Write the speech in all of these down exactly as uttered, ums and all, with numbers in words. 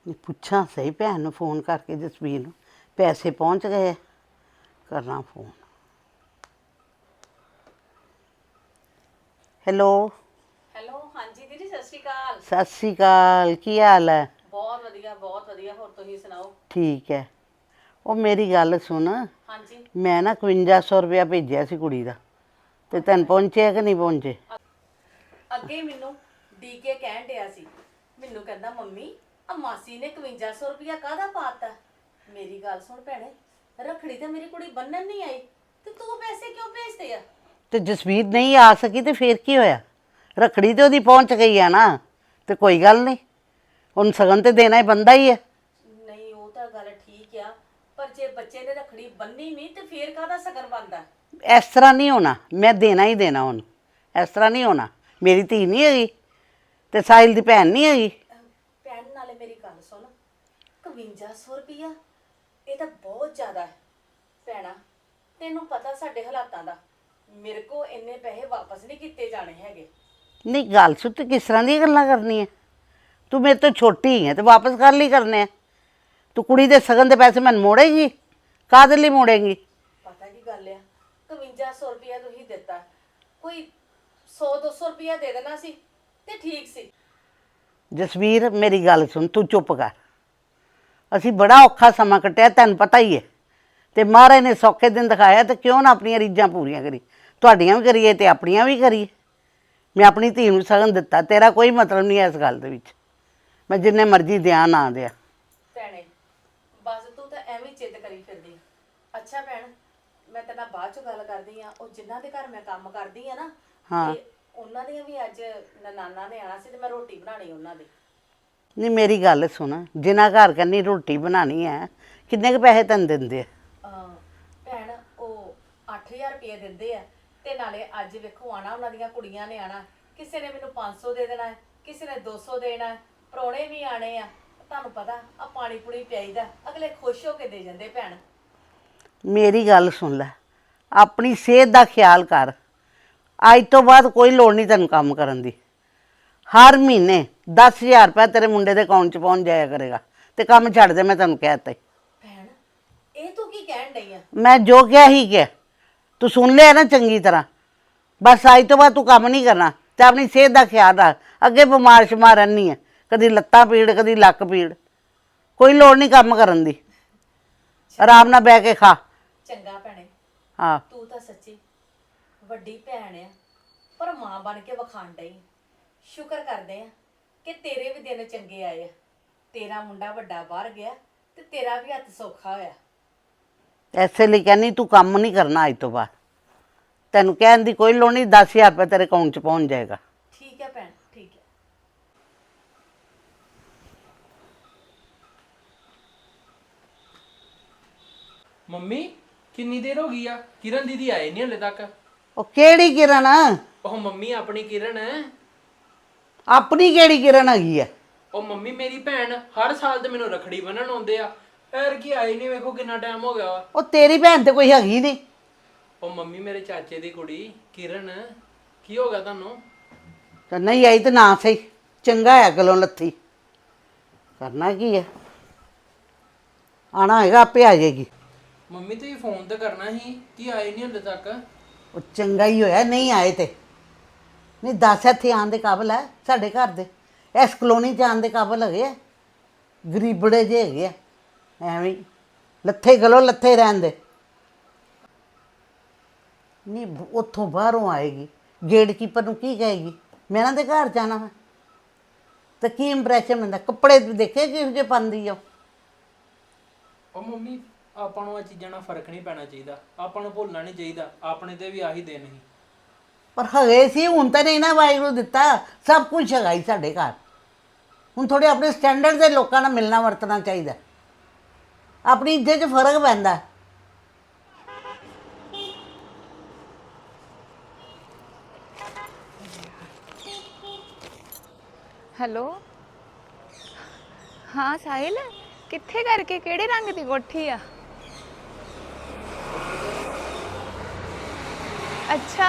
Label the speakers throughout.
Speaker 1: नहीं पुछा सही भैन नूं फोन करके जसवीर नूं पैसे पहुंच गए करना फोन। हेलो
Speaker 2: हेलो हाँ जी दीदी सत श्री अकाल।
Speaker 1: सत श्री अकाल की हाल है?
Speaker 2: बहुत वधिया बहुत वधिया होर तुसीं सुनाओ?
Speaker 1: ठीक है। ਉਹ ਮੇਰੀ ਗੱਲ ਸੁਣ,
Speaker 2: हाँ जी
Speaker 1: मैं ना इकवंजा सौ रुपया भेजिਆ ਸੀ ਕੁੜੀ ਦਾ ਤੇ ਤੈਨੂੰ ਪਹੁੰਚਿਆ ਕਿ ਨਹੀਂ ਪਹੁੰਚੇ?
Speaker 2: ਅੱਗੇ ਮੈਨੂੰ ਡੀ ਕੇ ਕਹਿਣ ਡਿਆ ਸੀ, ਮੈਨੂੰ ਕਹਿੰਦਾ ਮੰਮੀ ਆ ਮਾਸੀ ਨੇ ਇਕਵੰਜਾ ਸੌ ਰੁਪਇਆ ਕਾਹਦਾ ਪਾਤਾ। ਮੇਰੀ ਗੱਲ ਸੁਣ ਭੈਣੇ, ਰੱਖੜੀ ਤੇ ਮੇਰੀ ਕੁੜੀ ਬੰਨਣ ਨਹੀਂ ਆਈ ਤੇ ਤੂੰ ਪੈਸੇ ਕਿਉਂ ਭੇਜਦੇ ਆ?
Speaker 1: ਤੇ ਜਸਵੀਰ ਨਹੀਂ ਆ ਸਕੀ ਤੇ ਫੇਰ ਕੀ ਹੋਇਆ? ਰੱਖੜੀ ਤੇ ਉਹਦੀ ਪਹੁੰਚ ਗਈ ਆ ਨਾ, ਤੇ ਕੋਈ ਗੱਲ ਨਹੀਂ, ਉਹਨੂੰ ਸਗਨ ਤੇ ਦੇਣਾ ਹੀ ਬੰਦਾ ਹੀ ਹੈ।
Speaker 2: ਨਹੀਂ ਉਹ ਤਾਂ ਗੱਲ ਠੀਕ ਆ, ਪਰ ਜੇ ਬੱਚੇ ਨੇ ਰੱਖੜੀ ਬੰਨੀ ਨਹੀਂ ਤੇ ਫੇਰ ਕਾਹਦਾ ਸਗਨ ਬਣਦਾ?
Speaker 1: ਇਸ ਤਰ੍ਹਾਂ ਨਹੀਂ ਹੋਣਾ, ਮੈਂ ਦੇਣਾ ਹੀ ਦੇਣਾ ਉਹਨੂੰ, ਇਸ ਤਰ੍ਹਾਂ ਨਹੀਂ ਹੋਣਾ। ਮੇਰੀ ਧੀ ਨਹੀਂ ਹੈਗੀ ਤੇ ਸਾਹਿਲ ਦੀ ਭੈਣ ਨਹੀਂ ਹੈਗੀ।
Speaker 2: ਭੈਣ ਨਾਲੇ ਮੇਰੀ ਗੱਲ ਸੁਣ, ਇਕਵੰਜਾ ਸੌ ਰੁਪਇਆ ਇਹ ਤਾਂ ਬਹੁਤ ਜ਼ਿਆਦਾ ਹੈ ਭੈਣਾ। ਤੈਨੂੰ ਪਤਾ ਸਾਡੇ ਹਾਲਾਤਾਂ ਦਾ, ਮੇਰੇ ਕੋ ਇੰਨੇ ਪੈਸੇ ਵਾਪਸ ਨਹੀਂ ਕੀਤੇ ਜਾਣੇ ਹੈਗੇ।
Speaker 1: ਨਹੀਂ ਗੱਲ ਸੁਣ, ਤੂੰ ਕਿਸ ਤਰ੍ਹਾਂ ਦੀਆਂ ਗੱਲਾਂ ਕਰਨੀਆਂ? ਤੂੰ ਮੇਰੇ ਤੋਂ ਛੋਟੀ ਹੈ ਤੇ ਵਾਪਸ ਕਰ ਲਈ ਕਰਨੇ ਆ। ਤੂੰ ਕੁੜੀ ਦੇ ਸਗਨ ਦੇ ਪੈਸੇ ਮੈਨੂੰ ਮੋੜੇਗੀ? ਕਾਹਦੇ ਲਈ ਮੋੜੇਗੀ?
Speaker 2: ਪਤਾ ਕੀ ਗੱਲ ਆ, ਇਕਵੰਜਾ ਸੌ ਰੁਪਇਆ ਤੁਸੀਂ ਦਿੱਤਾ, ਕੋਈ ਸੌ ਦੋ ਸੌ ਰੁਪਇਆ ਦੇ ਦੇਣਾ ਸੀ ਤੇ ਠੀਕ ਸੀ।
Speaker 1: ਜਸਵੀਰ ਮੇਰੀ ਗੱਲ ਸੁਣ, ਤੂੰ ਚੁੱਪ ਕਰ। ਅਸੀਂ ਬੜਾ ਔਖਾ ਸਮਾਂ ਕੱਟਿਆ, ਤੈਨੂੰ ਪਤਾ ਹੀ ਹੈ, ਤੇ ਮਹਾਰਾਜ ਨੇ ਸੌਖੇ ਦਿਨ ਦਿਖਾਇਆ, ਤੇ ਕਿਉਂ ਨਾ ਆਪਣੀਆਂ ਰੀਝਾਂ ਪੂਰੀਆਂ ਕਰੀ। ਤੁਹਾਡੀਆਂ ਵੀ ਕਰੀਏ ਤੇ ਆਪਣੀਆਂ ਵੀ ਕਰੀਏ। ਮੈਂ ਆਪਣੀ ਧੀ ਨੂੰ ਸਗਨ ਦਿੱਤਾ, ਤੇਰਾ ਕੋਈ ਮਤਲਬ ਨਹੀਂ ਹੈ ਇਸ ਗੱਲ ਦੇ ਵਿੱਚ। ਮੈਂ ਜਿੰਨੇ ਮਰਜ਼ੀ ਦਿਆਂ ਨਾ ਦਿਆਂ।
Speaker 2: ਭੈਣੇ ਬਸ ਤੂੰ ਤਾਂ ਐਵੇਂ ਜਿੱਦ ਕਰੀ ਫਿਰਦੀ। ਅੱਛਾ ਭੈਣ, ਮੈਂ ਤੇਰੇ ਨਾਲ ਬਾਅਦ ਚ ਗੱਲ ਕਰਦੀ ਆ। ਉਹ ਜਿਨ੍ਹਾਂ ਦੇ ਘਰ ਮੈਂ ਕੰਮ ਕਰਦੀ ਆ ਨਾ,
Speaker 1: ਹਾਂ।
Speaker 2: ਤੇ ਉਹਨਾਂ ਦੀਆਂ ਵੀ ਅੱਜ ਨਨਾਨਾ ਨੇ ਆਣਾ ਸੀ ਤੇ ਮੈਂ ਰੋਟੀ ਬਣਾਣੀ ਉਹਨਾਂ ਦੀ।
Speaker 1: ਨਹੀਂ ਮੇਰੀ ਗੱਲ ਸੁਣ, ਜਿਨ੍ਹਾਂ ਘਰ ਕੰਨੀ ਰੋਟੀ ਬਣਾਉਣੀ ਹੈ, ਕਿੰਨੇ ਕੁ ਪੈਸੇ ਤੈਨੂੰ ਦਿੰਦੇ ਆ?
Speaker 2: ਅਹ ਭੈਣ ਉਹ ਅੱਠ ਹਜ਼ਾਰ ਰੁਪਏ ਦਿੰਦੇ ਆ, ਤੇ ਨਾਲੇ ਅੱਜ ਵੇਖੋ ਆਣਾ ਉਹਨਾਂ ਦੀਆਂ ਕੁੜੀਆਂ ਨੇ ਆਣਾ। ਕਿਸੇ ਨੇ ਮੈਨੂੰ ਪੰਜ ਸੌ ਦੇ ਦੇਣਾ ਹੈ, ਕਿਸੇ ਨੇ ਦੋ ਸੌ ਦੇਣਾ ਹੈ, ਪ੍ਰਾਹੁਣੇ ਵੀ ਆਣੇ ਆ। ਤੁਹਾਨੂੰ ਪਤਾ ਆ ਪਾਣੀ ਪੂਣੀ ਪਿਆਈਦਾ, ਅਗਲੇ ਖੁਸ਼ ਹੋ ਕੇ ਦੇ ਜਾਂਦੇ ਭੈਣ।
Speaker 1: ਮੇਰੀ ਗੱਲ ਸੁਣ ਲੈ, ਆਪਣੀ ਸਿਹਤ ਦਾ ਖਿਆਲ ਕਰ। ਅੱਜ ਤੋਂ ਬਾਅਦ ਕੋਈ ਲੋੜ ਨਹੀਂ ਤੈਨੂੰ ਕੰਮ ਕਰਨ ਦੀ। ਹਰ ਮਹੀਨੇ ਦਸ ਹਜ਼ਾਰ ਰੁਪਇਆ ਤੇਰੇ ਮੁੰਡੇ ਦੇ ਅਕਾਊਂਟ 'ਚ ਪਹੁੰਚ ਜਾਇਆ ਕਰੇਗਾ, ਤੇ ਕੰਮ ਛੱਡ ਦੇ, ਮੈਂ ਤੈਨੂੰ ਕਹਿ ਦਿੱਤਾ ਈ।
Speaker 2: ਭੈਣ ਇਹ ਤੂੰ ਕੀ ਕਹਿਣ ਡਈ ਆ?
Speaker 1: ਮੈਂ ਜੋ ਕਿਹਾ ਹੀ ਕਿਹਾ, ਤੂੰ ਸੁਣ ਲਿਆ ਨਾ ਚੰਗੀ ਤਰ੍ਹਾਂ। ਬਸ ਅੱਜ ਤੋਂ ਬਾਅਦ ਤੂੰ ਕੰਮ ਨਹੀਂ ਕਰਨਾ, ਤੇ ਆਪਣੀ ਸਿਹਤ ਦਾ ਖਿਆਲ ਰੱਖ। ਅੱਗੇ ਬਿਮਾਰ ਸ਼ਮਾਰ ਰਹਿੰਦੀ ਹੈ, ਕਦੀ ਲੱਤਾਂ ਪੀੜ, ਕਦੀ ਲੱਕ ਪੀੜ। ਕੋਈ ਲੋੜ ਨਹੀਂ ਕੰਮ ਕਰਨ ਦੀ, ਆਰਾਮ ਨਾਲ ਬਹਿ ਕੇ ਖਾ।
Speaker 2: ਚੰਗਾ ਭੈਣੇ,
Speaker 1: ਹਾਂ
Speaker 2: ਤੂੰ ਤਾਂ ਸੱਚੀ ਵੱਡੀ ਭੈਣ ਆ, ਪਰ ਮਾਂ ਬਣ ਕੇ ਵਿਖਾਣ ਡਈ। ਸ਼ੁਕਰ ਕਰਦੇ ਆ ਕਿ ਤੇਰੇ ਵੀ ਦਿਨ ਚੰਗੇ ਆਏ ਆ। ਤੇਰਾ ਮੁੰਡਾ ਵੱਡਾ ਬਾਹਰ ਗਿਆ ਤੇ ਤੇਰਾ ਵੀ ਹੱਥ ਸੌਖਾ ਹੋਇਆ।
Speaker 1: ਐਸੇ ਲਈ ਕਹਿੰਦੀ ਤੂੰ ਕੰਮ ਨਹੀਂ ਕਰਨਾ ਅੱਜ ਤੋਂ ਬਾਅਦ। ਤੈਨੂੰ ਕਹਿਣ ਦੀ ਕੋਈ ਲੋੜ ਨਹੀਂ, ਦਸ ਹਜ਼ਾਰ ਰੁਪਇਆ ਤੇਰੇ ਅਕਾਊਂਟ 'ਚ ਪਹੁੰਚ ਜਾਏਗਾ।
Speaker 2: ਠੀਕ ਹੈ ਭੈਣ, ਠੀਕ ਹੈ।
Speaker 3: ਮੰਮੀ ਕਿੰਨੀ ਦੇਰ ਹੋ ਗਈ ਆ? ਕਿਰਨ ਦੀਦੀ ਆਏ ਨਹੀਂ ਹਲੇ ਤੱਕ।
Speaker 1: ਉਹ ਕਿਹੜੀ ਕਿਰਨ?
Speaker 3: ਉਹ ਮੰਮੀ ਆਪਣੀ ਕਿਰਨ ਹੈ।
Speaker 1: ਆਪਣੀ ਕਿਹੜੀ ਕਿਰਨ ਹੈਗੀ ਆ?
Speaker 3: ਉਹ ਮੰਮੀ ਮੇਰੀ ਭੈਣ ਹਰ ਸਾਲ ਤੇ ਮੈਨੂੰ ਰਖੜੀ ਬੰਨਣ ਆਉਂਦੇ ਆ, ਐਰ ਕੀ ਆਈ ਨਹੀਂ, ਵੇਖੋ ਕਿੰਨਾ ਟਾਈਮ ਹੋ ਗਿਆ ਵਾ।
Speaker 1: ਉਹ ਤੇਰੀ ਭੈਣ ਤੇ ਕੋਈ ਹੈਗੀ ਨਹੀਂ।
Speaker 3: ਉਹ ਮੰਮੀ ਮੇਰੇ ਚਾਚੇ ਦੀ ਕੁੜੀ ਕਿਰਨ, ਕੀ ਹੋ ਗਿਆ ਤੁਹਾਨੂੰ?
Speaker 1: ਤਾਂ ਨਹੀਂ ਆਈ ਤੇ ਨਾ ਸਹੀ, ਚੰਗਾ ਹੈ ਗਲੋਂ ਲੱਥੀ। ਕਰਨਾ ਕੀ ਹੈ, ਆਣਾ ਹੈਗਾ ਆਪੇ ਆ ਜਾਏਗੀ।
Speaker 3: ਮੰਮੀ ਤੁਸੀਂ ਫੋਨ ਤੇ ਕਰਨਾ ਸੀ, ਕੀ ਆਏ ਨਹੀਂ ਹਲੇ ਤੱਕ?
Speaker 1: ਉਹ ਚੰਗਾ ਹੀ ਹੋਇਆ ਨਹੀਂ ਆਏ ਤੇ। ਨਹੀਂ ਦਸ ਇੱਥੇ ਆਉਣ ਦੇ ਕਾਬਲ ਹੈ ਸਾਡੇ ਘਰ ਦੇ, ਇਸ ਕਲੋਨੀ 'ਚ ਆਉਣ ਦੇ ਕਾਬਲ ਹੈਗੇ ਆ? ਗਰੀਬੜੇ ਜਿਹੇ ਹੈਗੇ ਆ, ਐਵੇਂ ਹੀ ਲੱਥੇ ਗਲੋਂ ਲੱਥੇ ਰਹਿਣ ਦੇ। ਨਹੀਂ ਉੱਥੋਂ ਬਾਹਰੋਂ ਆਏਗੀ, ਗੇਟ ਕੀਪਰ ਨੂੰ ਕੀ ਕਹੇਗੀ ਮੈਂ ਇਹਨਾਂ ਦੇ ਘਰ ਜਾਣਾ ਵਾ? ਤਾਂ ਕੀ ਇੰਪਰੈਸ਼ਨ ਹੁੰਦਾ? ਕੱਪੜੇ ਦੇਖੇ ਕਿਹੋ ਜਿਹੇ ਪਾਉਂਦੀ ਆ?
Speaker 3: ਉਹ ਮੰਮੀ ਆਪਾਂ ਨੂੰ ਇਹ ਚੀਜ਼ਾਂ ਨਾਲ ਫਰਕ ਨਹੀਂ ਪੈਣਾ ਚਾਹੀਦਾ, ਆਪਾਂ ਨੂੰ ਭੁੱਲਣਾ ਨਹੀਂ ਚਾਹੀਦਾ, ਆਪਣੇ ਤੇ ਵੀ ਆਹੀ ਦਿਨ ਸੀ।
Speaker 1: ਪਰ ਹੈਗੇ ਸੀ, ਹੁਣ ਤਾਂ ਨਹੀਂ ਨਾ ਵਾਹਿਗੁਰੂ ਦਿੱਤਾ, ਸਭ ਕੁਝ ਹੈਗਾ ਹੀ ਸਾਡੇ ਘਰ। ਹੁਣ ਥੋੜੇ ਆਪਣੇ ਸਟੈਂਡਰਡ ਦੇ ਲੋਕਾਂ ਨਾਲ ਮਿਲਣਾ ਵਰਤਣਾ ਚਾਹੀਦਾ, ਆਪਣੀ ਇੱਜ਼ਤ 'ਚ ਫਰਕ ਪੈਂਦਾ।
Speaker 4: ਹੈਲੋ ਹਾਂ ਸਾਹਿਲ, ਕਿੱਥੇ ਕਰਕੇ ਕਿਹੜੇ ਰੰਗ ਦੀ ਕੋਠੀ ਆ? ਅੱਛਾ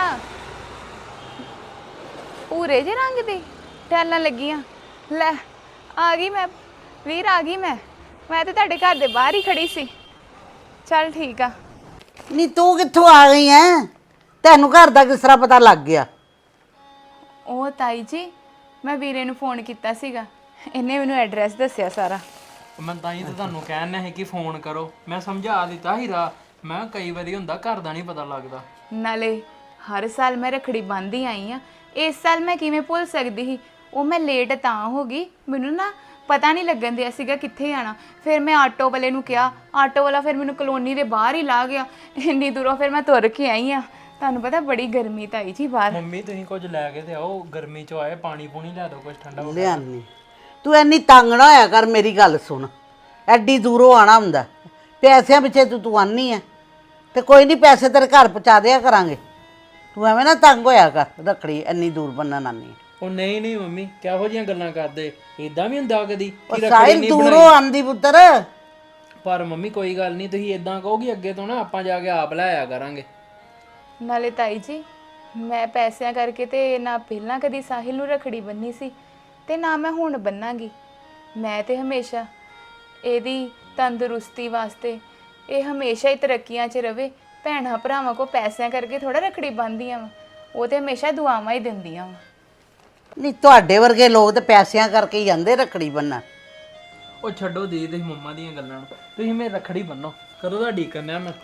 Speaker 4: ਭੂਰੇ ਜਿਹੇ ਰੰਗ ਦੀ ਟੈਲਾਂ ਲੱਗੀਆਂ। ਲੈ ਆ ਗਈ ਮੈਂ ਵੀਰ ਆ ਗਈ ਮੈਂ ਮੈਂ ਤੇ ਤੁਹਾਡੇ ਘਰ ਦੇ ਬਾਹਰ ਹੀ ਖੜੀ ਸੀ। ਚੱਲ ਠੀਕ ਆ।
Speaker 1: ਨਹੀਂ ਤੂੰ ਕਿੱਥੋਂ ਆ ਗਈ ਐ? ਤੈਨੂੰ ਘਰ ਦਾ ਕਿਸ ਤਰ੍ਹਾਂ ਪਤਾ ਲੱਗ ਗਿਆ?
Speaker 4: ਉਹ ਤਾਈ ਜੀ ਮੈਂ ਵੀਰੇ ਨੂੰ ਫੋਨ ਕੀਤਾ ਸੀਗਾ, ਇਹਨੇ ਮੈਨੂੰ ਐਡਰੈਸ ਦੱਸਿਆ ਸਾਰਾ।
Speaker 3: ਮੈਂ ਤਾਂ ਹੀ ਤਾਂ ਤੁਹਾਨੂੰ ਕਹਿਣਾ ਹੈ ਕਿ ਫੋਨ ਕਰੋ। ਮੈਂ ਸਮਝਾ ਦਿੱਤਾ ਹੀ ਰਾ ਮੈਂ ਕਈ ਵਾਰੀ ਹੁੰਦਾ ਘਰ ਦਾ ਨਹੀਂ ਪਤਾ ਲੱਗਦਾ।
Speaker 4: ਨਾਲੇ ਹਰ ਸਾਲ ਮੈਂ ਰੱਖੜੀ ਬੰਨ੍ਹਦੀ ਆਈ ਆ, ਇਸ ਸਾਲ ਮੈਂ ਕਿਵੇਂ ਭੁੱਲ ਸਕਦੀ ਸੀ। ਉਹ ਮੈਂ ਲੇਟ ਤਾਂ ਹੋ ਗਈ, ਮੈਨੂੰ ਨਾ ਪਤਾ ਨਹੀਂ ਲੱਗਣ ਦਿਆ ਸੀਗਾ ਕਿੱਥੇ ਆਣਾ। ਫਿਰ ਮੈਂ ਆਟੋ ਵਾਲੇ ਨੂੰ ਕਿਹਾ, ਆਟੋ ਵਾਲਾ ਫਿਰ ਮੈਨੂੰ ਕਲੋਨੀ ਦੇ ਬਾਹਰ ਹੀ ਲਾ ਗਿਆ। ਇੰਨੀ ਦੂਰੋਂ ਫਿਰ ਮੈਂ ਤੁਰ ਕੇ ਆਈ ਆ। ਤੁਹਾਨੂੰ ਪਤਾ ਬੜੀ ਗਰਮੀ ਤਾਈ ਜੀ ਬਾਹਰ।
Speaker 3: ਮੰਮੀ ਤੁਸੀਂ ਕੁਝ ਲੈ ਕੇ ਤੇ ਆਓ, ਗਰਮੀ ਚੋਂ ਆਏ ਪਾਣੀ ਪੂਣੀ ਲੈ ਦਿਓ ਕੁਝ ਠੰਡਾ।
Speaker 1: ਲਿਆਨੀ ਤੂੰ ਐਨੀ ਤੰਗ ਨਾ ਹੋਇਆ ਕਰ, ਮੇਰੀ ਗੱਲ ਸੁਣ। ਐਡੀ ਦੂਰੋਂ ਆਣਾ ਹੁੰਦਾ, ਪੈਸਿਆਂ ਪਿੱਛੇ ਤੂੰ ਤੂੰ ਆਨੀ ਐ ਤੇ ਕੋਈ ਨਹੀਂ, ਪੈਸੇ ਤੇਰੇ ਘਰ ਪਹੁੰਚਾ ਦਿਆ ਕਰਾਂਗੇ। ਤੂੰ ਐਵੇਂ ਨਾ ਤੰਗ ਹੋਇਆ ਕਰ, ਰੱਖੜੀ ਇੰਨੀ ਦੂਰ ਬੰਨਣ ਆਨੀ ਐ।
Speaker 3: ਉਹ ਨਹੀਂ ਨਹੀਂ ਮੰਮੀ ਕਿਹੋ ਜਿਹੀਆਂ ਗੱਲਾਂ ਕਰਦੇ, ਇਦਾਂ ਵੀ ਹੁੰਦਾ ਕਦੀ
Speaker 1: ਉਹ
Speaker 3: ਕਿ ਰੱਖੜੀ
Speaker 1: ਸਾਹਿਲ
Speaker 3: ਨਹੀਂ
Speaker 1: ਦੂਰੋਂ
Speaker 3: ਬਣਾਈ।
Speaker 1: ਆਂਦੀ ਪੁੱਤਰ।
Speaker 3: ਪਰ ਮੰਮੀ ਕੋਈ ਗੱਲ ਨਹੀਂ, ਤੁਸੀਂ ਇਦਾਂ ਕਹੋਗੇ ਅੱਗੇ ਤੋਂ ਨਾ ਆਪਾਂ ਜਾ ਕੇ ਆਪ ਲੈ ਆਇਆ ਕਰਾਂਗੇ।
Speaker 4: ਨਾਲੇ ਤਾਈ ਜੀ ਮੈਂ ਪੈਸਿਆਂ ਕਰਕੇ ਤੇ ਨਾ ਪਹਿਲਾਂ ਕਦੀ ਸਾਹਿਲ ਨੂੰ ਰੱਖੜੀ ਬੰਨੀ ਸੀ ਤੇ ਨਾ ਮੈਂ ਹੁਣ ਬੰਨਾਂਗੀ। ਮੈਂ ਤੇ ਹਮੇਸ਼ਾ ਇਹਦੀ ਤੰਦਰੁਸਤੀ ਵਾਸਤੇ, ਇਹ ਹਮੇਸ਼ਾ ਹੀ ਤਰੱਕੀਆਂ 'ਚ ਰਵੇ। ਭੈਣਾਂ ਭਰਾਵਾਂ ਕੋ ਪੈਸਿਆਂ ਕਰਕੇ ਥੋੜਾ ਰੱਖੜੀ ਬੰਨ੍ਹਦੀਆਂ ਵਾ, ਉਹ ਤੇ ਹਮੇਸ਼ਾ ਦੁਆਵਾਂ ਹੀ ਦਿੰਦੀਆਂ ਵਾ।
Speaker 1: ਨਹੀਂ ਤੁਹਾਡੇ ਵਰਗੇ ਲੋਕ ਤੇ ਪੈਸਿਆਂ ਕਰਕੇ ਹੀ ਜਾਂਦੇ ਰੱਖੜੀ ਬੰਨਣ।
Speaker 3: ਉਹ ਛੱਡੋ ਦੀ ਤੁਸੀਂ ਮੰਮਾ ਦੀਆਂ ਗੱਲਾਂ ਨੂੰ, ਤੁਸੀਂ ਮੇਰੀ ਰੱਖੜੀ ਬੰਨੋ। ਕਦੋਂ ਦਾ ਢੀਕ ਕਰਨਾ ਮੈਂ।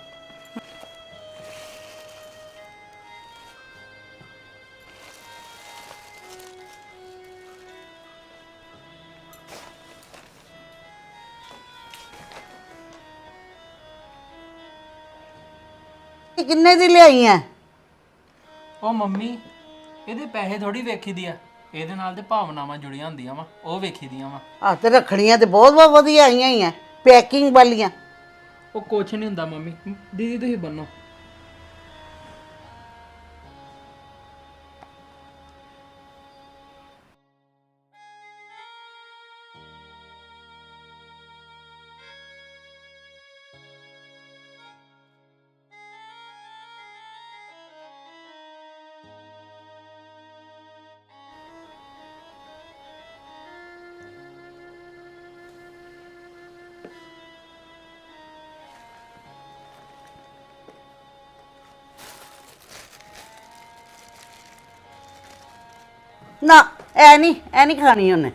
Speaker 1: ਇਹ ਕਿੰਨੇ ਦੀ ਲਿਆਈ ਐ?
Speaker 3: ਉਹ ਮੰਮੀ ਇਹਦੇ ਪੈਸੇ ਥੋੜੀ ਵੇਖੀ ਦੀ ਆ, ਇਹਦੇ ਨਾਲ ਤੇ ਭਾਵਨਾਵਾਂ ਜੁੜੀਆਂ ਹੁੰਦੀਆਂ ਵਾ, ਉਹ ਵੇਖੀ ਦੀਆਂ ਵਾ।
Speaker 1: ਆ ਤੇ ਰੱਖੜੀਆਂ ਤੇ ਬਹੁਤ ਬਹੁਤ ਵਧੀਆ ਆਈਆਂ ਹੀ ਐ, ਪੈਕਿੰਗ ਵਾਲੀਆਂ।
Speaker 3: ਉਹ ਕੁਛ ਨਹੀਂ ਹੁੰਦਾ ਮੰਮੀ, ਦੀਦੀ ਤੁਸੀਂ ਬੰਨੋ।
Speaker 1: ਨਾ ਐ ਨਹੀਂ ਐ ਨਹੀਂ ਖਾਣੀ ਉਹਨੇ।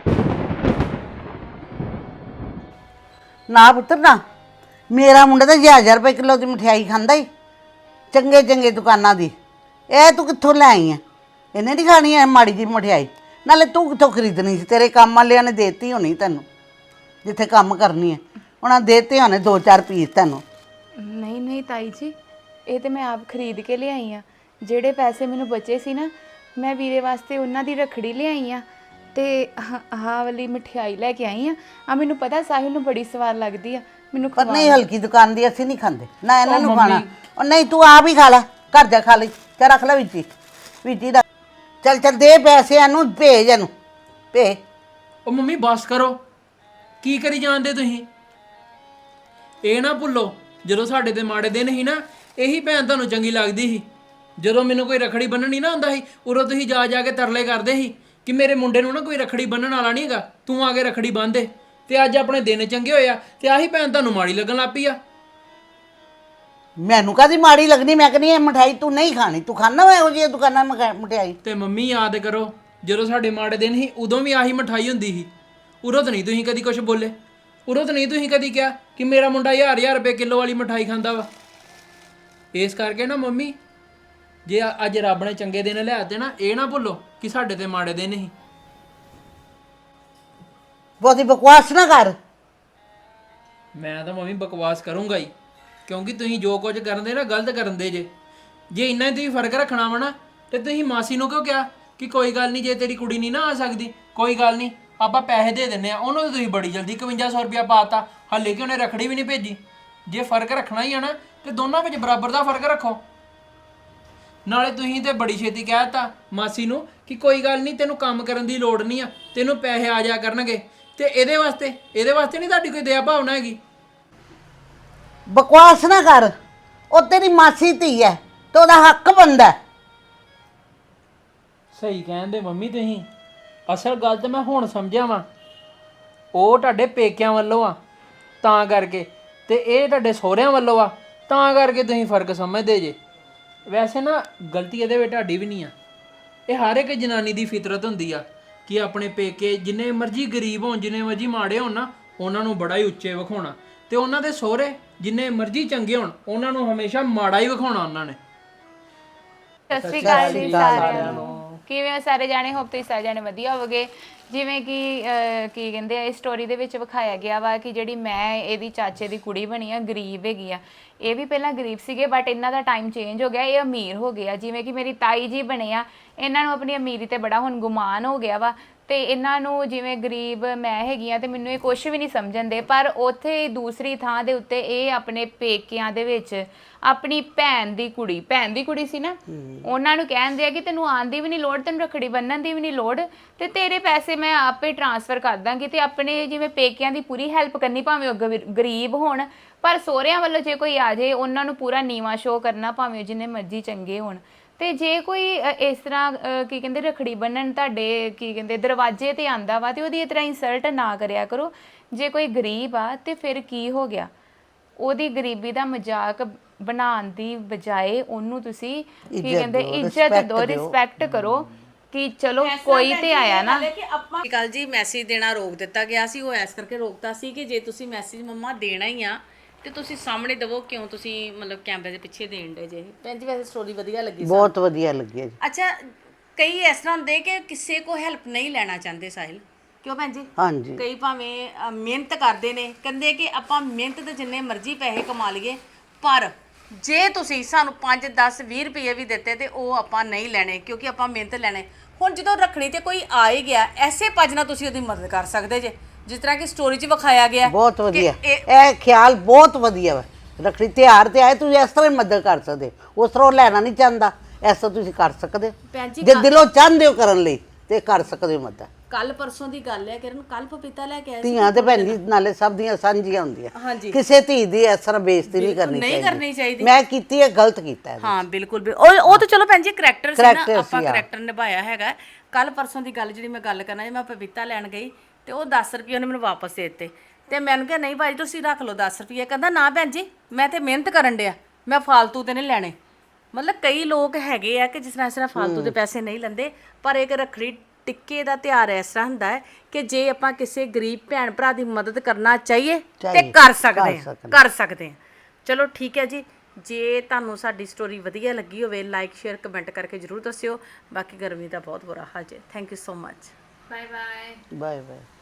Speaker 1: ਨਾ ਪੁੱਤਰ ਨਾ, ਮੇਰਾ ਮੁੰਡਾ ਤਾਂ ਹਜ਼ਾਰ ਹਜ਼ਾਰ ਰੁਪਏ ਕਿਲੋ ਦੀ ਮਠਿਆਈ ਖਾਂਦਾ ਹੀ, ਚੰਗੇ ਚੰਗੇ ਦੁਕਾਨਾਂ ਦੀ। ਇਹ ਤੂੰ ਕਿੱਥੋਂ ਲੈ ਆਈ ਐ? ਇਹਨੇ ਨਹੀਂ ਖਾਣੀ ਐ ਮਾੜੀ ਜੀ ਮਠਿਆਈ। ਨਾਲੇ ਤੂੰ ਕਿੱਥੋਂ ਖਰੀਦਣੀ ਸੀ? ਤੇਰੇ ਕੰਮ ਵਾਲਿਆਂ ਨੇ ਦੇਤੀ ਹੋਣੀ ਤੈਨੂੰ, ਜਿੱਥੇ ਕੰਮ ਕਰਨੀ ਹੈ ਉਹਨਾਂ ਦੇਤੇ ਹੋਣੇ ਦੋ ਚਾਰ ਪੀਸ ਤੈਨੂੰ।
Speaker 4: ਨਹੀਂ ਨਹੀਂ ਤਾਈ ਜੀ, ਇਹ ਤੇ ਮੈਂ ਆਪ ਖਰੀਦ ਕੇ ਲਿਆਈ ਆ। ਜਿਹੜੇ ਪੈਸੇ ਮੈਨੂੰ ਬਚੇ ਸੀ ਨਾ, ਮੈਂ ਵੀਰੇ ਵਾਸਤੇ ਉਹਨਾਂ ਦੀ ਰੱਖੜੀ ਲਿਆਈ ਆ ਤੇ ਆਹ ਵਾਲੀ ਮਠਿਆਈ ਲੈ ਕੇ ਆਈ ਆ। ਆ ਮੈਨੂੰ ਪਤਾ ਸਾਹਿਲ ਨੂੰ ਬੜੀ ਸਵਾਦ ਲੱਗਦੀ ਆ, ਮੈਨੂੰ
Speaker 1: ਪਰ
Speaker 4: ਖਵਾ।
Speaker 1: ਨਹੀਂ, ਹਲਕੀ ਦੁਕਾਨ ਦੀ ਅਸੀਂ ਨਹੀਂ ਖਾਂਦੇ ਨਾ, ਇਹਨਾਂ
Speaker 3: ਉਹ
Speaker 1: ਨੂੰ
Speaker 3: ਮੰਮੀ।
Speaker 1: ਖਾਣਾ। ਉਹ ਨਹੀਂ ਤੂੰ ਆਪ ਹੀ ਖਾ ਲੈ, ਘਰ ਜਾ ਖਾ ਲਈ, ਤੇ ਰੱਖ ਲੈ ਵਿੱਚ ਹੀ ਵਿੱਚ ਹੀ ਰੱਖ। ਚੱਲ ਚੱਲ ਦੇ ਪੈਸੇ ਇਹਨੂੰ, ਭੇਜ ਇਹਨੂੰ ਭੇਜ।
Speaker 3: ਉਹ ਮੰਮੀ ਬਸ ਕਰੋ, ਕੀ ਕਰੀ ਜਾਂਦੇ ਤੁਸੀਂ? ਇਹ ਨਾ ਭੁੱਲੋ ਜਦੋਂ ਸਾਡੇ ਤੇ ਮਾੜੇ ਦਿਨ ਸੀ ਨਾ, ਇਹੀ ਭੈਣ ਤੁਹਾਨੂੰ ਚੰਗੀ ਲੱਗਦੀ ਸੀ। ਜਦੋਂ ਮੈਨੂੰ ਕੋਈ ਰੱਖੜੀ ਬੰਨਣੀ ਨਾ ਹੁੰਦਾ ਸੀ, ਉਦੋਂ ਤੁਸੀਂ ਜਾ ਜਾ ਕੇ ਤਰਲੇ ਕਰਦੇ ਸੀ ਕਿ ਮੇਰੇ ਮੁੰਡੇ ਨੂੰ ਨਾ ਕੋਈ ਰੱਖੜੀ ਬੰਨਣ ਵਾਲਾ ਨਹੀਂ ਹੈਗਾ, ਤੂੰ ਆ ਕੇ ਰੱਖੜੀ ਬੰਨ੍ਹ ਦੇ। ਤੇ ਅੱਜ ਆਪਣੇ ਦਿਨ ਚੰਗੇ ਹੋਏ ਆ ਤੇ ਆਹੀ ਭੈਣ ਤੁਹਾਨੂੰ ਮਾੜੀ ਲੱਗਣ ਲੱਗ ਪਈ ਆ।
Speaker 1: ਮੈਨੂੰ ਕਾਹਦੀ ਮਾੜੀ ਲੱਗਣੀ? ਮੈਂ ਕਹਿੰਦੀ ਇਹ ਮਠਿਆਈ ਤੂੰ ਨਹੀਂ ਖਾਣੀ, ਤੂੰ ਖਾਣਾ ਵਾ ਇਹੋ ਜਿਹੀ ਦੁਕਾਨਾਂ ਮਠਿਆ- ਮਠਿਆਈ।
Speaker 3: ਤੇ ਮੰਮੀ ਯਾਦ ਕਰੋ ਜਦੋਂ ਸਾਡੇ ਮਾੜੇ ਦਿਨ ਸੀ, ਉਦੋਂ ਵੀ ਆਹੀ ਮਠਾਈ ਹੁੰਦੀ ਸੀ। ਉਦੋਂ ਤਾਂ ਨਹੀਂ ਤੁਸੀਂ ਕਦੀ ਕੁਝ ਬੋਲੇ, ਉਦੋਂ ਤਾਂ ਨਹੀਂ ਤੁਸੀਂ ਕਦੀ ਕਿਹਾ ਕਿ ਮੇਰਾ ਮੁੰਡਾ ਹਜ਼ਾਰ ਹਜ਼ਾਰ ਰੁਪਏ ਕਿਲੋ ਵਾਲੀ ਮਠਾਈ ਖਾਂਦਾ ਵਾ। ਇਸ ਕਰਕੇ ਨਾ ਮੰਮੀ, ਜੇ ਅੱਜ ਰੱਬ ਨੇ ਚੰਗੇ ਦਿਨ ਲਿਆਤੇ ਨਾ, ਇਹ ਨਾ ਭੁੱਲੋ ਕਿ ਸਾਡੇ ਤੇ ਮਾੜੇ ਦਿਨ ਸੀ।
Speaker 1: ਬਹੁਤੀ ਬਕਵਾਸ ਨਾ ਕਰ।
Speaker 3: ਮੈਂ ਤਾਂ ਮੰਮੀ ਬਕਵਾਸ ਕਰੂੰਗਾ ਹੀ, ਕਿਉਂਕਿ ਤੁਸੀਂ ਜੋ ਕੁਝ ਕਰਦੇ ਨਾ ਗਲਤ ਕਰਦੇ ਜੇ। ਜੇ ਇੰਨਾ ਹੀ ਤੁਸੀਂ ਫਰਕ ਰੱਖਣਾ ਵਾ ਨਾ, ਤੇ ਤੁਸੀਂ ਮਾਸੀ ਨੂੰ ਕਿਉਂ ਕਿਹਾ ਕਿ ਕੋਈ ਗੱਲ ਨਹੀਂ, ਜੇ ਤੇਰੀ ਕੁੜੀ ਨਹੀਂ ਨਾ ਆ ਸਕਦੀ ਕੋਈ ਗੱਲ ਨਹੀਂ, ਆਪਾਂ ਪੈਸੇ ਦੇ ਦਿੰਨੇ ਆ। ਉਹਨੂੰ ਤਾਂ ਤੁਸੀਂ ਬੜੀ ਜਲਦੀ ਇਕਵੰਜਾ ਸੌ ਰੁਪਇਆ ਪਾਤਾ, ਹਾਲੇ ਕਿ ਉਹਨੇ ਰੱਖੜੀ ਵੀ ਨਹੀਂ ਭੇਜੀ। ਜੇ ਫਰਕ ਰੱਖਣਾ ਹੀ ਆ ਨਾ, ਤੇ ਦੋਨਾਂ ਵਿੱਚ ਬਰਾਬਰ ਦਾ ਫਰਕ ਰੱਖੋ। ਨਾਲੇ ਤੁਸੀਂ ਤੇ ਬੜੀ ਛੇਤੀ ਕਹਿ ਦਿੱਤਾ ਮਾਸੀ ਨੂੰ ਕਿ ਕੋਈ ਗੱਲ ਨਹੀਂ, ਤੈਨੂੰ ਕੰਮ ਕਰਨ ਦੀ ਲੋੜ ਨਹੀਂ ਆ, ਤੈਨੂੰ ਪੈਸੇ ਆ ਜਾ ਕਰਨਗੇ। ਤੇ ਇਹਦੇ ਵਾਸਤੇ ਇਹਦੇ ਵਾਸਤੇ ਨਹੀਂ ਤੁਹਾਡੀ ਕੋਈ ਦਇਆ ਭਾਵਨਾ ਹੈਗੀ?
Speaker 1: ਬਕਵਾਸ ਨਾ ਕਰ, ਉਹ ਤੇਰੀ ਮਾਸੀ ਧੀ ਹੈ ਤੇ ਉਹਦਾ ਹੱਕ ਬਣਦਾ।
Speaker 3: ਸਹੀ ਕਹਿੰਦੇ ਮੰਮੀ ਤੁਸੀਂ, ਅਸਲ ਗੱਲ ਤਾਂ ਮੈਂ ਹੁਣ ਸਮਝਿਆ ਵਾਂ ਉਹ ਤੁਹਾਡੇ ਪੇਕਿਆਂ ਵੱਲੋਂ ਆ ਤਾਂ ਕਰਕੇ, ਤੇ ਇਹ ਤੁਹਾਡੇ ਸਹੁਰਿਆਂ ਵੱਲੋਂ ਆ ਤਾਂ ਕਰਕੇ ਤੁਸੀਂ ਫਰਕ ਸਮਝਦੇ ਜੇ। ਵੈਸੇ ਨਾ ਗਲਤੀ ਇਹਦੇ ਵਿੱਚ ਤੁਹਾਡੀ ਵੀ ਨਹੀਂ ਆ, ਇਹ ਹਰ ਇੱਕ ਜਨਾਨੀ ਦੀ ਫਿਤਰਤ ਹੁੰਦੀ ਆ ਕਿ ਆਪਣੇ ਪੇਕੇ ਜਿੰਨੇ ਮਰਜ਼ੀ ਗਰੀਬ ਹੋਣ, ਜਿੰਨੇ ਮਰਜ਼ੀ ਮਾੜੇ ਹੋਣ ਨਾ, ਉਹਨਾਂ ਨੂੰ ਬੜਾ ਹੀ ਉੱਚੇ ਵਿਖਾਉਣਾ, ਤੇ ਉਹਨਾਂ ਦੇ ਸਹੁਰੇ ਜਿੰਨੇ ਮਰਜ਼ੀ ਚੰਗੇ ਹੋਣ ਉਹਨਾਂ ਨੂੰ ਹਮੇਸ਼ਾ ਮਾੜਾ ਹੀ ਵਿਖਾਉਣਾ ਉਹਨਾਂ ਨੇ।
Speaker 4: ਸਤਿ ਸ਼੍ਰੀ ਅਕਾਲ ਜੀ ਸਾਰਿਆਂ ਨੂੰ। ਕਿਵੇਂ ਹੋ ਸਾਰੇ ਜਾਣੇ? ਹੋਪ ਤੁਸੀਂ ਸਾਰੇ ਜਾਣੇ ਵਧੀਆ ਹੋਵੋਗੇ। ਜਿਵੇਂ ਕਿ ਅਹ, ਕੀ ਕਹਿੰਦੇ ਆ, ਇਸ ਸਟੋਰੀ ਦੇ ਵਿੱਚ ਵਿਖਾਇਆ ਗਿਆ ਵਾ ਕਿ ਜਿਹੜੀ ਮੈਂ ਇਹਦੀ ਚਾਚੇ ਦੀ ਕੁੜੀ ਬਣੀ ਆ, ਗਰੀਬ ਹੈਗੀ ਆ। ਇਹ ਵੀ ਪਹਿਲਾਂ ਗਰੀਬ ਸੀਗੇ ਬਟ ਇਹਨਾਂ ਦਾ ਟਾਈਮ ਚੇਂਜ ਹੋ ਗਿਆ, ਇਹ ਅਮੀਰ ਹੋ ਗਏ ਆ। ਜਿਵੇਂ ਕਿ ਮੇਰੀ ਤਾਈ ਜੀ ਬਣੇ ਆ, ਇਹਨਾਂ ਨੂੰ ਆਪਣੀ ਅਮੀਰੀ ਤੇ ਬੜਾ ਹੁਣ ਗੁਮਾਨ ਹੋ ਗਿਆ ਵਾ, ਤੇ ਇਹਨਾਂ ਨੂੰ ਜਿਵੇਂ ਗਰੀਬ ਮੈਂ ਹੈਗੀ ਆ ਤੇ ਮੈਨੂੰ ਇਹ ਕੁਝ ਵੀ ਨਹੀਂ ਸਮਝਣ ਦੇ। ਪਰ ਉੱਥੇ ਦੂਸਰੀ ਥਾਂ ਦੇ ਉੱਤੇ ਇਹ ਆਪਣੇ ਪੇਕਿਆਂ ਦੇ ਵਿੱਚ ਆਪਣੀ ਭੈਣ ਦੀ ਕੁੜੀ, ਭੈਣ ਦੀ ਕੁੜੀ ਸੀ ਨਾ, ਉਹਨਾਂ ਨੂੰ ਕਹਿੰਦੇ ਆ ਕਿ ਤੈਨੂੰ ਆਉਣ ਦੀ ਵੀ ਨਹੀਂ ਲੋੜ, ਤੈਨੂੰ ਰੱਖੜੀ ਬੰਨਣ ਦੀ ਵੀ ਨਹੀਂ ਲੋੜ, ਤੇ ਤੇਰੇ ਪੈਸੇ ਮੈਂ ਆਪੇ ਟ੍ਰਾਂਸਫਰ ਕਰ ਦਾਂਗੀ। ਤੇ ਆਪਣੇ ਜਿਵੇਂ ਪੇਕਿਆਂ ਦੀ ਪੂਰੀ ਹੈਲਪ ਕਰਨੀ, ਭਾਵੇਂ ਉਹ ਗਵੀ- ਗਰੀਬ ਹੋਣ, ਪਰ ਸਹੁਰਿਆਂ ਵੱਲੋਂ ਜੇ ਕੋਈ ਆ ਜਾਏ ਉਹਨਾਂ ਨੂੰ ਪੂਰਾ ਨੀਵਾਂ ਸ਼ੋਅ ਕਰਨਾ, ਭਾਵੇਂ ਜਿੰਨੇ ਮਰਜ਼ੀ ਚੰਗੇ ਹੋਣ। ਤੇ ਜੇ ਕੋਈ ਅ, ਇਸ ਤਰ੍ਹਾਂ ਅ, ਕੀ ਕਹਿੰਦੇ ਰੱਖੜੀ ਬੰਨਣ ਤੁਹਾਡੇ ਕੀ ਕਹਿੰਦੇ ਦਰਵਾਜ਼ੇ ਤੇ ਆਂਦਾ ਵਾ, ਤੇ ਉਹਦੀ ਇਸ ਤਰ੍ਹਾਂ ਇਨਸਲਟ ਨਾ ਕਰਿਆ ਕਰੋ। ਜੇ ਕੋਈ ਗਰੀਬ ਆ ਤੇ ਫਿਰ ਕੀ ਹੋ ਗਿਆ, ਉਹਦੀ ਗਰੀਬੀ ਦਾ ਮਜ਼ਾਕ ਬਣਾਉਣ ਦੀ ਬਜਾਏ ਉਹਨੂੰ ਤੁਸੀਂ ਕੀ ਕਹਿੰਦੇ ਇੱਜ਼ਤ ਦਿਓ, ਰਿਸਪੈਕਟ ਕਰੋ ਕਿ ਚਲੋ ਕੋਈ ਤੇ ਆਇਆ ਨਾ।
Speaker 2: ਕਿ ਆਪਾਂ ਕੱਲ ਜੀ ਮੈਸੇਜ ਦੇਣਾ ਰੋਕ ਦਿੱਤਾ ਗਿਆ ਸੀ, ਉਹ ਐਸ ਕਰਕੇ ਰੋਕਤਾ ਸੀ ਕਿ ਜੇ ਤੁਸੀਂ ਮੈਸੇਜ ਮੰਮਾ ਦੇਣਾ ਹੀ ਆ ਤੇ ਤੁਸੀਂ ਸਾਹਮਣੇ ਦਵੋ, ਕਿਉਂ ਤੁਸੀਂ ਮਤਲਬ ਕੈਮਰੇ ਦੇ ਪਿੱਛੇ ਦੇਣ ਦੇ ਜੇ। ਭੈਣ ਜੀ ਵੈਸੇ ਸਟੋਰੀ ਵਧੀਆ ਲੱਗੀ ਸਾਨੂੰ।
Speaker 1: ਬਹੁਤ ਵਧੀਆ ਲੱਗਿਆ ਜੀ।
Speaker 2: ਅੱਛਾ, ਕਈ ਇਸ ਤਰ੍ਹਾਂ ਹੁੰਦੇ ਕਿ ਕਿਸੇ ਕੋ ਹੈਲਪ ਨਹੀਂ ਲੈਣਾ ਚਾਹੁੰਦੇ ਸਾਹਿਲ, ਕਿਉਂ ਭੈਣ ਜੀ?
Speaker 1: ਹਾਂਜੀ
Speaker 2: ਕਈ ਭਾਵੇਂ ਅ, ਮਿਹਨਤ ਕਰਦੇ ਨੇ, ਕਹਿੰਦੇ ਕਿ ਆਪਾਂ ਮਿਹਨਤ ਦੇ ਜਿੰਨੇ ਮਰਜ਼ੀ ਪੈਸੇ ਕਮਾ ਲਈਏ, ਪਰ ਜੇ ਤੁਸੀਂ ਸਾਨੂੰ ਪੰਜ ਦਸ ਵੀਹ ਰੁਪਏ ਵੀ ਦਿੱਤੇ ਤੇ ਉਹ ਆਪਾਂ ਨਹੀਂ ਲੈਣੇ, ਕਿਉਂਕਿ ਆਪਾਂ ਮਿਹਨਤ ਲੈਣੇ। ਹੁਣ ਜਦੋਂ ਰੱਖੜੀ ਤੇ ਕੋਈ ਆ ਹੀ ਗਿਆ, ਐਸੇ ਭੱਜ ਨਾਲ ਤੁਸੀਂ ਉਹਦੀ ਮਦਦ ਕਰ ਸਕਦੇ ਜੇ, ਜਿਸ ਤਰ੍ਹਾਂ ਕਿ ਸਟੋਰੀ 'ਚ ਵਿਖਾਇਆ ਗਿਆ।
Speaker 1: ਬਹੁਤ ਵਧੀਆ,
Speaker 2: ਇਹ-
Speaker 1: ਇਹ ਖਿਆਲ ਬਹੁਤ ਵਧੀਆ ਵਾ। ਰੱਖੜੀ ਤਿਉਹਾਰ ਤੇ ਆਏ ਤੁਸੀਂ ਇਸ ਤਰ੍ਹਾਂ ਹੀ ਮਦਦ ਕਰ ਸਕਦੇ ਹੋ। ਉਸ ਤਰ੍ਹਾਂ ਉਹ ਲੈਣਾ ਨਹੀਂ ਚਾਹੁੰਦਾ, ਇਸ ਤਰ੍ਹਾਂ ਤੁਸੀਂ ਕਰ ਸਕਦੇ ਹੋ।
Speaker 2: ਭੈਣ ਜੀ
Speaker 1: ਜੇ ਦਿਲੋਂ ਚਾਹੁੰਦੇ ਹੋ ਕਰਨ ਲਈ ਤੇ ਕਰ ਸਕਦੇ ਹੋ ਮਦਦ।
Speaker 2: ਕੱਲ ਪਰਸੋਂ ਦੀ ਗੱਲ ਹੈ ਕਿਰਨ, ਕੱਲ ਪਪੀਤਾ ਲੈ ਕੇ ਆਏ ਸੀ।
Speaker 1: ਧੀਆਂ ਤੇ ਭੈਣ ਜੀ ਨਾਲੇ ਸਭ ਦੀਆਂ ਸਾਂਝੀਆਂ ਹੁੰਦੀਆਂ,
Speaker 2: ਹਾਂਜੀ।
Speaker 1: ਕਿਸੇ ਧੀ ਦੀ ਇਸ ਤਰ੍ਹਾਂ ਬੇਇੱਜ਼ਤੀ ਨਹੀਂ ਕਰਨੀ
Speaker 2: ਨਹੀਂ ਕਰਨੀ ਚਾਹੀਦੀ।
Speaker 1: ਮੈਂ ਕੀਤੀ ਹੈ, ਗਲਤ ਕੀਤਾ ਹੈ।
Speaker 2: ਹਾਂ ਬਿਲਕੁਲ ਬਿਲ- ਉਹ ਉਹ ਤਾਂ ਚਲੋ ਭੈਣ ਜੀ ਕਰੈਕਟਰ ਸੀ ਨਾ,
Speaker 1: Character
Speaker 2: ਆਪਾਂ
Speaker 1: ਸੀ, ਹਾਂ।
Speaker 2: ਕਰੈਕਟਰ ਨਿਭਾਇਆ ਹੈਗਾ। ਕੱਲ ਪਰਸੋਂ ਦੀ ਗੱਲ ਜਿਹੜੀ ਮੈਂ ਗੱਲ ਕਰਨਾ, ਜੇ ਮੈਂ ਪਪੀਤਾ ਲੈਣ ਗਈ ਤੇ ਉਹ ਦਸ ਰੁਪਏ ਉਹਨੇ ਮੈਨੂੰ ਵਾਪਸ ਦੇ ਦਿੱਤੇ, ਤੇ ਮੈਨੂੰ ਕਿਹਾ ਨਹੀਂ ਭਾਈ ਤੁਸੀਂ ਰੱਖ ਲਓ ਦਸ ਰੁਪਏ। ਕਹਿੰਦਾ ਨਾ ਭੈਣ ਜੀ ਮੈਂ ਤੇ ਮਿਹਨਤ ਕਰਨ ਡਿਆ, ਮੈਂ ਫਾਲਤੂ ਤੇ ਨਹੀਂ ਲੈਣੇ। ਮਤਲਬ ਕਈ ਲੋਕ ਹੈਗੇ ਆ ਕਿ ਜਿਸ ਤਰ੍ਹਾਂ ਇਸ ਤਰ੍ਹਾਂ ਫਾਲਤੂ ਦੇ ਪੈਸੇ ਨਹੀਂ ਲੈਂਦੇ, ਪਰ ਇੱਕ ਰੱਖੜੀ ਟਿੱਕੇ ਦਾ ਤਿਉਹਾਰ ਇਸ ਤਰ੍ਹਾਂ ਹੁੰਦਾ ਹੈ ਕਿ ਜੇ ਆਪਾਂ ਕਿਸੇ ਗਰੀਬ ਭੈਣ ਭਰਾ ਦੀ ਮਦਦ ਕਰਨਾ ਚਾਹੀਏ ਤੇ
Speaker 1: ਚਾਹੀਏ,
Speaker 2: ਕਰ ਸਕਦੇ
Speaker 1: ਕਰ
Speaker 2: ਹਾਂ,
Speaker 1: ਸਕਦੇ
Speaker 2: ਕਰ ਸਕਦੇ ਹਾਂ। ਚਲੋ ਠੀਕ ਹੈ ਜੀ, ਜੇ ਤੁਹਾਨੂੰ ਸਾਡੀ ਸਟੋਰੀ ਵਧੀਆ ਲੱਗੀ ਹੋਵੇ ਲਾਈਕ ਸ਼ੇਅਰ ਕਮੈਂਟ ਕਰਕੇ ਜ਼ਰੂਰ ਦੱਸਿਓ। ਬਾਕੀ ਗਰਮੀ ਦਾ ਬਹੁਤ ਬੁਰਾ ਹਾਲ ਹੈ। Thank you so much.
Speaker 4: Bye bye.
Speaker 1: Bye bye.